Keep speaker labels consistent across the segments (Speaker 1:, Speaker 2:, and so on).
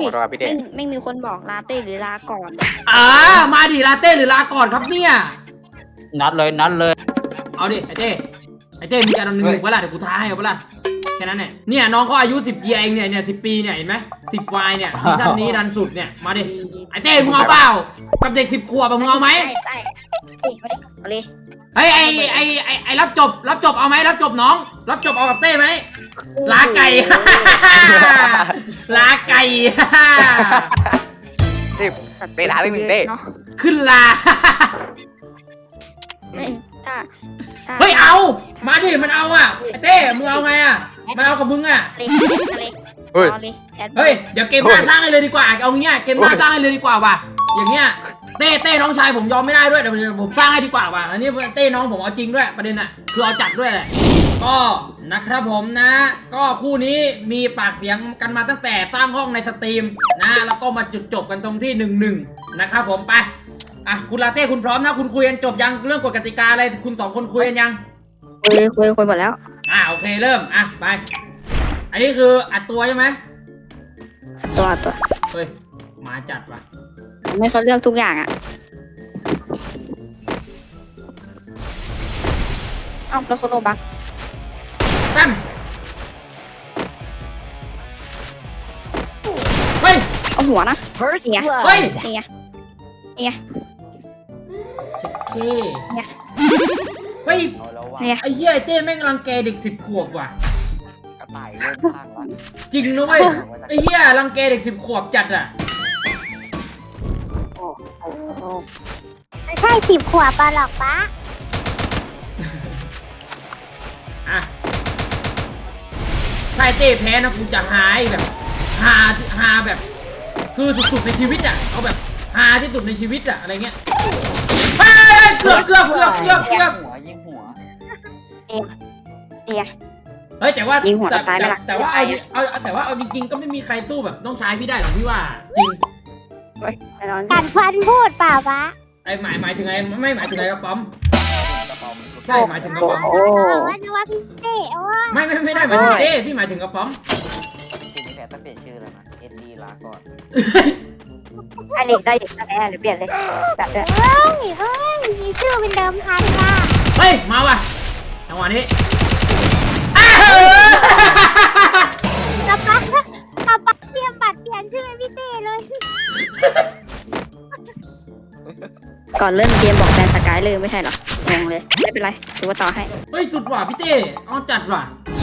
Speaker 1: ขอโทษครับพี่เต้
Speaker 2: ไม่มีคนบอกลาเต้หรือลาก่อน
Speaker 3: มาดิลาเต้หรือลาก่อนครับเนี่ย
Speaker 4: นัดเลย
Speaker 3: เอาดิไอเต้มีการ1-1เวลาเดี๋ยวกูท้าให้เอาเวลาแค่นั้นเนี่ยน้องเขาอายุ10เองเนี่ย10 ปีเนี่ยเห็นไหม10 วายเนี่ยซีซั่นนี้ดันสุดเนี่ยมาดิไอเต้มึงเอาเปล่ากับเด็ก10 ขวบมึงเอาไหม
Speaker 2: ได้เอาเลย
Speaker 3: เฮ้ยไอรับจบเอาไหมรับจบน้องรับจบเอากับเต้ไหมลาไก่ ลาไก่
Speaker 1: 10เต้ท้าเรื่องหนึ่งเต้
Speaker 3: ขึ้นลา
Speaker 2: ถ้า
Speaker 3: เฮ้ยเอามาดิมันเอาอ่ะไอเต้มึงเอาไงอ่ะมันเอากับมึงอ่ะ
Speaker 1: เฮ้ย
Speaker 3: เฮ้ยเดี๋ยวเกมหน้าสร้างให้เลยดีกว่าเอาเงี้ยเกมหน้าสร้างให้เลยดีกว่าว่ะอย่างเงี้ยเต้น้องชายผมยอมไม่ได้ด้วยเดี๋ยวผมสร้างให้ดีกว่าว่ะอันนี้เต้น้องผมเอาจริงด้วยประเด็นอ่ะคือเอาจัดด้วยแหละก็นะครับผมนะก็คู่นี้มีปากเสียงกันมาตั้งแต่สร้างห้องในสตรีมนะแล้วก็มาจุดจบกันตรงที่1-1นะครับผมไปอ่ะคุณลาเต้คุณพร้อมนะคุณคุยกันจบยังเรื่องกฎกติกาอะไรคุณ2 คนคุยกันยัง
Speaker 2: คุยหมดแล้ว
Speaker 3: โอเคเริ่มไปอันนี้คืออัดตัวใช่ไหม
Speaker 2: ตัว
Speaker 3: เฮ้ยมาจัดว่ะ
Speaker 2: ไม่เขาเลือกทุกอย่างอ่ะแล้วเขาโลบัก
Speaker 3: แป๊มเฮ้ย
Speaker 2: เอาหัวนะ
Speaker 5: First
Speaker 2: Yeah.
Speaker 5: blood.
Speaker 3: เฮ้ย
Speaker 2: เนี่ย
Speaker 3: เช็คเค
Speaker 2: เนี่ย
Speaker 3: เฮ้ย
Speaker 1: เอาแล้วว่ะ
Speaker 2: เนี่ย
Speaker 3: ไอ้เหี้ยไอ้เต้แม่งรังแกเด็ก10 ขวบว่ะ
Speaker 1: กระต่ายเริ่มสร้างแล้ว
Speaker 3: จริงนะเว้ยไอ้เหี้ยรังแกเด็ก10 ขวบจัดอ่ะ
Speaker 6: ไม่ใช่10 ขวบปะหรอกปะ
Speaker 3: อ่ะถ้าไอ้เต้แพ้นะกูจะหายแบบหาแบบคือสุดๆในชีวิตอ่ะเอาแบบหาที่สุดในชีวิตอ่ะอะไรเงี้ยเฮ้ยเกือบ
Speaker 1: หัวยิงหัว
Speaker 2: เนี่ย
Speaker 3: เฮ้ยแต่ว่า
Speaker 2: ยิงหัวตายไหมล่ะ
Speaker 3: แต่ว่าเอาจริงๆก็ไม่มีใครสู้แบบน้องชายพี่ได้หรอกพี่ว่าจริง
Speaker 2: แน่นอน
Speaker 6: กัดฟันพูดเปล่าปะ
Speaker 3: ไอ้หมายถึงไอ้ไม่หมายถึงไอ้กระป๋อม
Speaker 1: กระป๋อม
Speaker 3: ใช่หมายถึงกระป๋อม
Speaker 6: นึกว่าพี่เต้ว่า
Speaker 3: ไม่ได้หมายถึงเต้พี่หมายถึงกระป๋อม
Speaker 1: ทีนี้แพ้ต้องเปลี่ยนชื่อแล้วนะเอ็ดดี้ลาก่อน
Speaker 2: ได้เด็กได้หรือเปลี่ยนเลยแบบเนี้ย
Speaker 6: เฮ้ยมีชื่อเป็นเดิมพันว่ะ
Speaker 3: เฮ้ยมาว่ะจังหวะนี้
Speaker 6: ป๊าเตรียมบัตรเปลี่ยนชื่อให้พี่เต้เลย
Speaker 2: ก่อนเริ่มเกมบอกแบนสกายเลยไม่ใช่หรองงเลยไม่เป็นไรถือว่าต่อให้
Speaker 3: เฮ้ยสุดว่ะพี่เต้เอาจัดว่ะ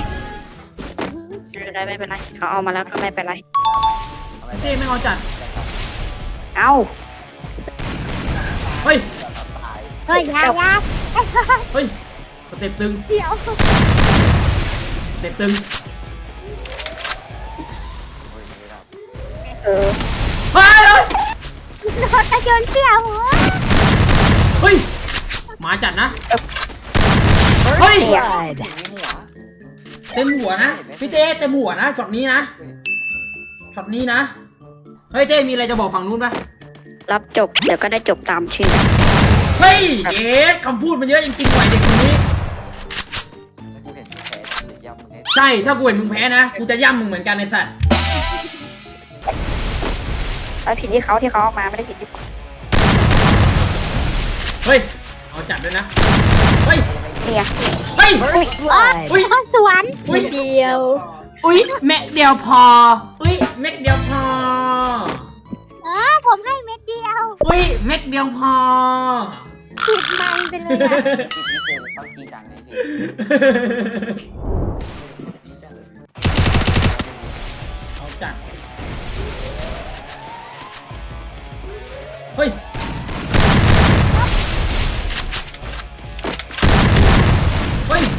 Speaker 2: ไม่เป็นไรเขาเอามาแล้วก็ไม่เป็นไร
Speaker 3: พี่เต้ไม่เอาจัด
Speaker 2: เอา
Speaker 3: เฮ้ย
Speaker 6: เฮ้ยยา
Speaker 3: เฮ้ยสเต็ปตึง
Speaker 6: เดี๋ยว
Speaker 3: สเต็ปตึง
Speaker 2: เออ
Speaker 3: เฮ้ย
Speaker 6: โดนกระโยนเสี่ยวหัว
Speaker 3: เฮ้ยมาจัดนะเฮ้ย
Speaker 5: Blood.
Speaker 3: เต็มหัวนะพี่เต้เต็มหัวนะช็อตนี้นะช็อตนี้นะเฮ้ยเต้มีอะไรจะบอกฝั่งนู้นปะ
Speaker 2: รับจบเดี๋ยวก็ได้จบตามชื่อ
Speaker 3: เฮ้ยเอ๊ะคำพูดมันเยอะจริงๆว่ะเด็กคนนี้
Speaker 1: กูเห็นแพ้จะย่ำมึงให้
Speaker 3: ใช่ถ้ากูเห็นมึงแพ้นะกูจะย่ำมึงเหมือนกันไอ้สัตว์
Speaker 2: ผิดที่เขาเอามาไม่ได้ผิดที่
Speaker 3: เฮ้ยเอาจัดด้วยนะเฮ้ย
Speaker 2: เนี่ย
Speaker 3: เฮ้ย
Speaker 5: First blood.
Speaker 3: อุ้ย
Speaker 6: เขาสวน
Speaker 3: อุ้ย
Speaker 2: เดียว
Speaker 3: อุ้ยแม็กเดียวพออุ้ยแม็กเดียวพอ
Speaker 6: ผมให้เม็ดเดียว
Speaker 3: อุ้ยแม็กเดียวพอ
Speaker 6: ติดมันไปเลยอะ
Speaker 1: ทีนี้เจอต้องจีดังไงพี่
Speaker 3: เอาจัดเฮ้ยเฮ้ย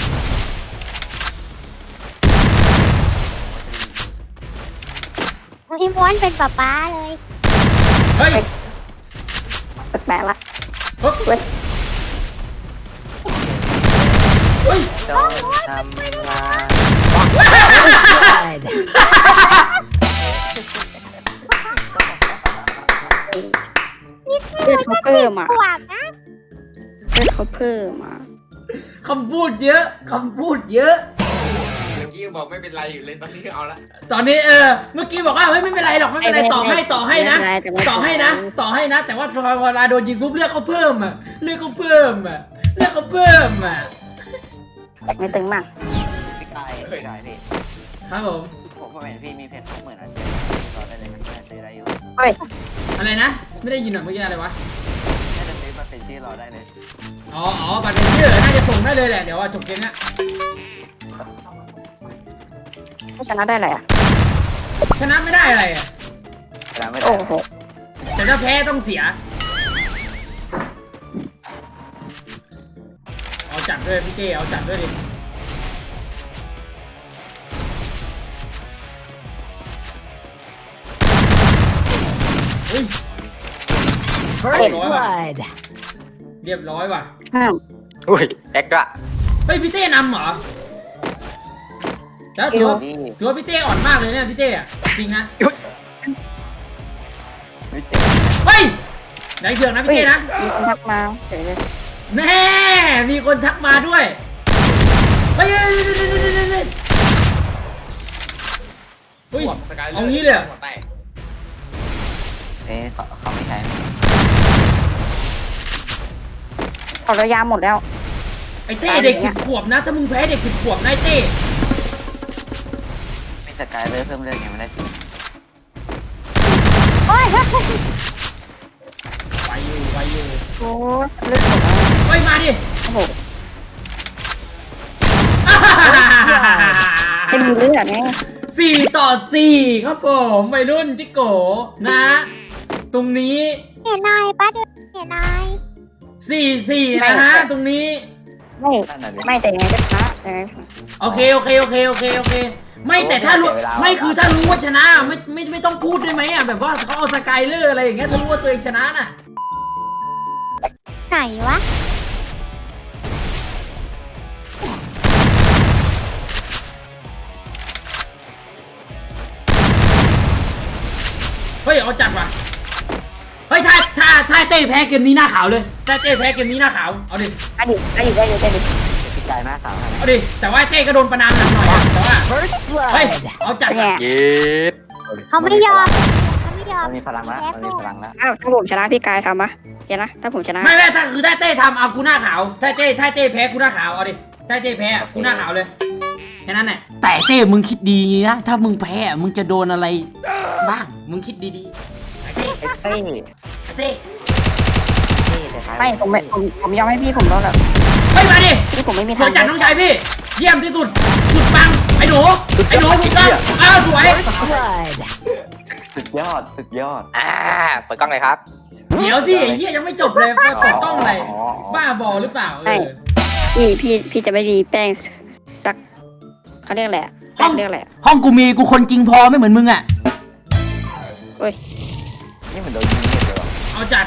Speaker 6: พี่ม้วนเป็นป๊าเลย
Speaker 3: เฮ้ย
Speaker 2: แปลกละ
Speaker 3: เฮ้ยเฮ้ย
Speaker 1: ต้องทำลาย
Speaker 5: Blood.
Speaker 2: เลือดเขาเพิ่มอ่ะ
Speaker 6: ขวบนะ
Speaker 2: เลือดเขาเพิ่มอ่ะ
Speaker 3: คำพูดเยอะคำพูดเยอะ
Speaker 1: เมื่อกี้
Speaker 4: ยังบอกไม่เป็นไรอยู่เลยตอนนี้เอาละ
Speaker 3: ตอนนี้เมื่อกี้บอกว่าเฮ้ยไม่เป็นไรหรอกไม่เป็นไรต่อให้นะต่อให้นะ แต่ว่าพอเวลาโดนยิงปุ๊บเลือดเขาเพิ่มอ่ะเลือดเขาเพิ่มอ่ะ
Speaker 2: ไม่ตึงมาก
Speaker 1: พี่กายพี่
Speaker 3: ครับผม
Speaker 1: ผมเห็นพี่มีเพชร20,000 อันรอได้เลยนะซื้อได้อยู่
Speaker 3: อะไรนะไม่ได้ยินหน่อยเมื่อกี้อะไรวะ
Speaker 1: น่าจะซื้อมาเป็นชื่อเราได้เลย
Speaker 3: อ๋อบัตรเป็นชื่อน่าจะส่งได้เลยแหละเดี๋ยวจบเกมเนี้ย
Speaker 2: ถ้าชนะได้อะไรอ่ะ
Speaker 3: ชนะไม่ได้อะไรอ่ะ
Speaker 1: แล้วไม่ได้
Speaker 2: โอ้โห
Speaker 3: แต่ถ้าแพ้ต้องเสียเอาจัดด้วยพี่เก้เอาจัดด้วยดิเฮ้ย
Speaker 5: First blood.
Speaker 3: เรียบร้อยว่ะ
Speaker 2: ห้าม
Speaker 4: อุ้ยแอ็กซ์ละ
Speaker 3: เฮ้ยพี่เต้นำเหรอแล้วถือว่า
Speaker 1: นี่
Speaker 3: ถือว่าพี่เต้อ่อนมากเลยเนี่ยพี่เต้อะจริงนะ
Speaker 1: ไม่เจ๋ง
Speaker 3: เฮ้ยไหนเถื่อนนะพี่เต้นะ
Speaker 2: มีคนทักมาเฉยเลย
Speaker 3: แน่มีคนทักมาด้วยเฮ้ยเอางี้เลยเหรอ
Speaker 4: หัวแตก
Speaker 1: เขาไม่ใช้
Speaker 2: เอาระยะหมดแล้ว
Speaker 3: ไอ้เต้เด็ก10 ขวบนะถ้ามึงแพ้เด็ก10 ขวบนะไอ้เต้
Speaker 1: ไม่สกายเลยเพิ่มเรื่องยังไม่ได้สิ
Speaker 6: โอ้ย
Speaker 3: ไปอยู่
Speaker 2: โอ้เลือดหมดแล้ว
Speaker 3: เฮ้ยมาดิ
Speaker 2: โอ้โหเป็นเลือดไง
Speaker 3: 4-4ครับผมวัยรุ่นจิโกนะ ตรงนี้
Speaker 6: เห็นนายป้าดูเห็นนาย
Speaker 3: 4-4นะฮะตรงนี้
Speaker 2: ไม่
Speaker 1: นั่นน่ะดิ
Speaker 2: ไม่แต่ยังไงก็ชนะยังไง
Speaker 3: โอเคไม่แต่ถ้ารู้ไม่คือถ้ารู้ว่าชนะไม่ต้องพูดได้ไหมอ่ะแบบว่าเขาเอาสกายเลอร์อะไรอย่างเงี้ยถ้ารู้ว่าตัวเองชนะน่ะ
Speaker 6: ไหนวะ
Speaker 3: เฮ้ยเอาจัดว่ะเฮ้ยถ้าเต้แพ้เกมนี้หน้าขาวเลยถ้าเต้แพ้เกมนี้หน้าขาวเอาดิ
Speaker 2: ได้ดิ
Speaker 1: พี่กายหน้าขาว
Speaker 3: เอาดิแต่ว่าเต้ก็โดนประนามหนักหน่อยอะแต่ว่า
Speaker 5: First
Speaker 3: เฮ้ย
Speaker 5: blood.
Speaker 3: เอาจัด
Speaker 2: เป็นไง
Speaker 3: ว่ะ
Speaker 4: เย็ด
Speaker 6: เขาไม่ยอมเขาไม่ยอม
Speaker 1: มันมีพลังแล้วมันมีพลังแล้ว
Speaker 2: อ้าวถ้าผมชนะพี่กายทำปะเดี๋ยวนะถ้าผมชนะ
Speaker 3: ไม่ถ้าคือถ้าเต้ทำเอากูหน้าขาวถ้าเต้แพ้กูหน้าขาวเอาดิถ้าเต้แพ้อะกูหน้าขาวเลยแค่นั้นแหละแต่เต้มึงคิดดีนะถ้ามึงแพ้อะมึงจะโดนอะไรบ้างมึงคิดดีๆไอ้เต้
Speaker 1: ไอ้เต้
Speaker 3: เต้
Speaker 2: ไม่ผมยอมให้พี่ผมแล้วแหละ
Speaker 3: เฮ้ยมาดิ
Speaker 2: พี่ผมไม่มี
Speaker 3: สวยจัดน้องชายพี่เยี่ยมที่สุดสุดปังไอ้หนูถูกต้องสวย
Speaker 5: First blood.
Speaker 1: สุดยอด
Speaker 4: เปิดกล้องเลยครับ
Speaker 3: เดี๋ยวสิไอ้เหี้ยยังไม่จบเลยเปิดกล้องอะไรบ้าบอหรือเปล่า
Speaker 2: พี่จะไม่มีแป้งสักเขาเรียกอะไรแป้งเรียกอะไร
Speaker 3: ห้องกูมีกูคนจริงพอไม่เหมือนมึงอ่ะ
Speaker 2: เฮ้ย
Speaker 1: นี่มันโดนยิงเงียบเลยว่ะ
Speaker 3: เอาจัด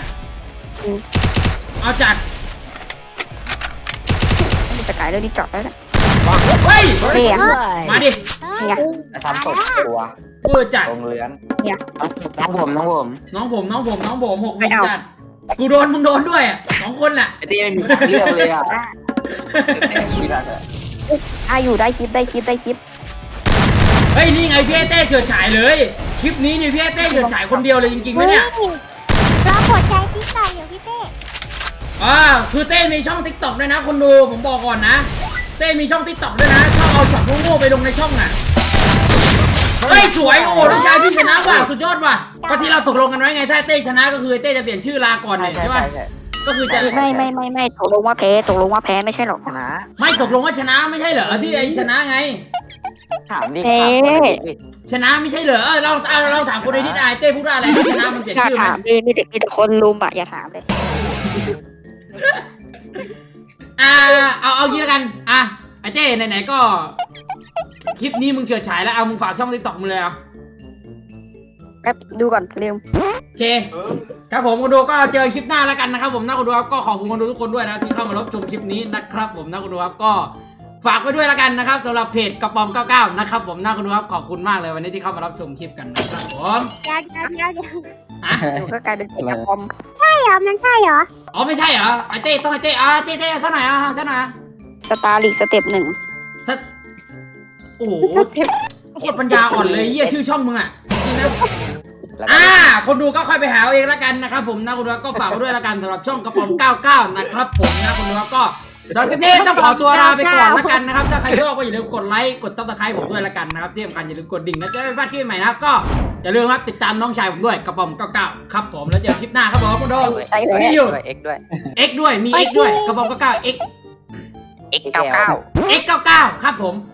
Speaker 2: มีสกายเรื่องนี้จอดแล้วนะ
Speaker 3: เฮ้ย
Speaker 5: First
Speaker 2: เนี่ย
Speaker 5: blood.
Speaker 3: มาดิ
Speaker 2: นี่ไง
Speaker 1: จะทำตกตัว
Speaker 3: เวอร์จัด
Speaker 1: ตรงเลื้อน
Speaker 2: เนี่ย
Speaker 1: น้องผม
Speaker 3: น้องผม6 วิจัดกูโดนมึงโดนด้วยอ่ะ2 คนแหละ
Speaker 1: ไอ้เต้ไม่มีทางเลือกเลยอ่ะมีทาง
Speaker 2: ได้อยู่ได้คลิป
Speaker 3: เฮ้ยนี่ไงพี่เต้เฉิดฉายเลยคลิปนี้นี่พี่เต้เฉิดฉายคนเดียวเลยจริงๆนะเนี่ย
Speaker 6: รอหัวใจพี่ไก่อยู่พี่เต้
Speaker 3: คือเต้มีช่อง TikTok ด้วยนะคนดูผมบอกก่อนนะเต้มีช่อง TikTok ด้วยนะชอบเอาช็อตโง่ๆไปลงในช่องอ่ะเฮ้ยสวยโอ้น้องชายพี่ชนะว่ะสุดยอดว่ะก็ที่เราตกลงกันไว้ไงถ้าเต้ชนะก็คือเต้จะเปลี่ยนชื่อลาก่อนเลยใช่ป่ะก็คือจะ
Speaker 2: ไม่ตกลงว่าแพ้ไม่ใช่หรอก
Speaker 1: ชนะ
Speaker 3: ไม่ตกลงว่าชนะไม่ใช่เหรอที่ไอ้ชนะไง
Speaker 1: ถามดิ
Speaker 3: ชนะไม่ใช่เหรอเราถามคนในนิดอายเต้พูดว่าอะไรชนะมันเปลี่ยน
Speaker 2: อย่า
Speaker 3: ชื่อไหม
Speaker 2: ถามมีแต่คนลุมอย่าถามเลย
Speaker 3: เอางี้แล้วกันไอ้เต้ไหนๆก็คลิปนี้มึงเฉิดฉายแล้วเอามึงฝากช่อง TikTok มึงเลยเอา
Speaker 2: แป๊บดูก่อนลืม
Speaker 3: โอเคครับผมคนดูก็เจอคลิปหน้าแล้วกันนะครับผมนะคนดูครับก็ขอบคุณคนดูทุกคนด้วยนะที่เข้ามารับชมคลิปนี้นะครับผมนะคนดูครับก็ฝากไว้ด้วยแล้วกันนะครับสำหรับเพจกระป๋อม99นะครับผมนะคนดูครับขอบคุณมากเลยวันนี้ที่เข้ามารับชมคลิปกันนะครับผม
Speaker 6: เดี๋ยว
Speaker 2: ดูก็กลายเป็นเอกคอม
Speaker 6: ใช่เหรอมันใช่เหรอ
Speaker 3: อ๋อไม่ใช่เหรอไอเต้ต้องไอเต้เต้ซะหน่อยซะหน่อย
Speaker 2: สตาร์ลีกสเต็ป 1
Speaker 3: สักโอ้โห
Speaker 6: สเต็ป
Speaker 3: โคตรปัญญาอ่อนเลยเหี้ยชื่อช่องมึงอ่ะจริงนะ
Speaker 1: แล้วก็
Speaker 3: คนดูก็ค่อยไปหาเอาเองละกันนะครับผมนะคนดูก็ฝากไว้ด้วยละกันสำหรับช่องกระป๋อง99นะครับผมนะคนดูก็สำหรับคลิปนี้ต้องขอตัวลาไปก่อนละกันนะครับถ้าใครชอบก็อย่าลืมกดไลค์กดซับสไครต์ผมด้วยละกันนะครับที่สำคัญอย่าลืมกดดิ่งนะจะได้ไม่พลาดคลิปใหม่นะครับก็อย่าลืมครับติดตามน้องชายผมด้วยกระป๋อง99ครับผมแล้วเจอคลิปหน้าครับผมคุณโด
Speaker 1: ใช่เลย
Speaker 3: See you
Speaker 4: ด้วย X ด้วย
Speaker 3: X ด้วยมี X ด้วยกระป๋อง99 X
Speaker 4: X 99
Speaker 3: X99ครับผม